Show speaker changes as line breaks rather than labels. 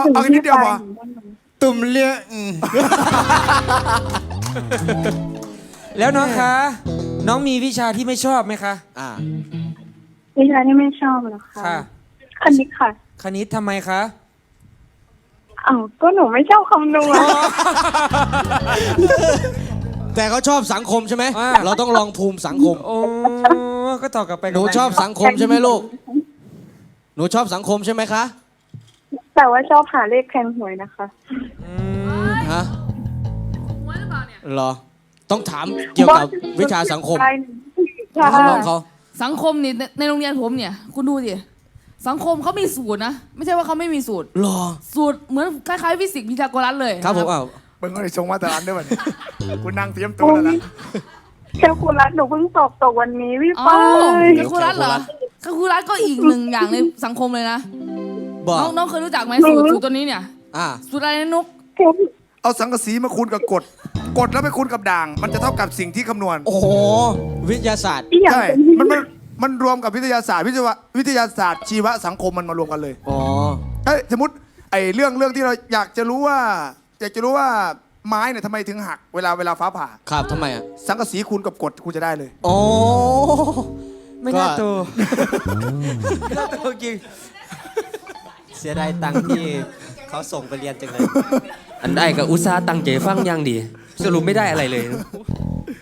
เอาแค่นิดเดียวพอ
ตุ่มเลี้ย
แล้วน้องคะ น้องมีวิชาที่ไม่ชอบไหมคะ
วิชาที่ไม่ชอบเหรอคะ
ค่ะ
คณิตค่ะ
คณิตทำไมคะ
อ้าวก็หนูไม่ชอบคำนวณ
แต่เขาชอบสังคมใช่ไหม
อ่า
เราต้องลองภูมิสังคม
โอ้ก็ตอบกลับไป
หนูชอบสังคมใช่ไหมลูก หนูชอบสังคมใช่ไหมคะ
แต่ว่าชอบหาเลขแทนหวยนะคะ
ฮะเหรอ ต้องถามเกี่ยวกับวิชาสังคม
ใช่
น้องเขา
สังคมนี่ในโรงเรียนผมเนี่ยคุณดูดิสังคมเขามีสูตรนะ ไม่ใช่ว่าเขาไม่มีสูตร
หรอ
สูตรเหมือนคล้ายๆฟิสิกส์พีทาโกรัสเลย
ครับผมอ้าว
มึงก็เลยส่งมาแต่ร้านด้วยวันนี้กูนั่งเตรียมตัวแล้วนะ
แคลคูลัสหนูเพิ่งสอบตกวันนี้พี่
อ๋อ
ป้าย
แคลคูลัสเหรอแคลคูลัสก็อีกหนึ่งอย่างในสังคมเลยนะ
บอก
น้องเคยรู้จักไหมสูตรตัวนี้เนี่ย สูตรอะไรนะนุก
เอาสังกะสีมาคูณกับกฎแล้วไปคูณกับด่าง มันจะเท่ากับสิ่งที่คำนวณ
โอ้โห วิทยาศาสตร์
อีกอย่าง
ใช่
เป็นที่
มันรวมกับวิทยาศาสตร์วิทยาศาสตร์ชีวสังคมมันมารวมกันเลย
อ๋อ
สมมติไอ้เรื่องที่เราอยากจะรู้ว่าไม้เนี่ยทำไมถึงหักเวลาฟ้าผ่า
ครับทำไมอ่ะ
สังกะสีคูณกับกฎคุณจะได้เลย
โอ้
ไม่น่าโตไม่น่าโตจริง
เสียดายตังค์ที่เขาส่งไปเรียนจังเลย อันได้กับอุตสาห์ตั้งใจฟังอย่างดี สรุปไม่ได้อะไรเลย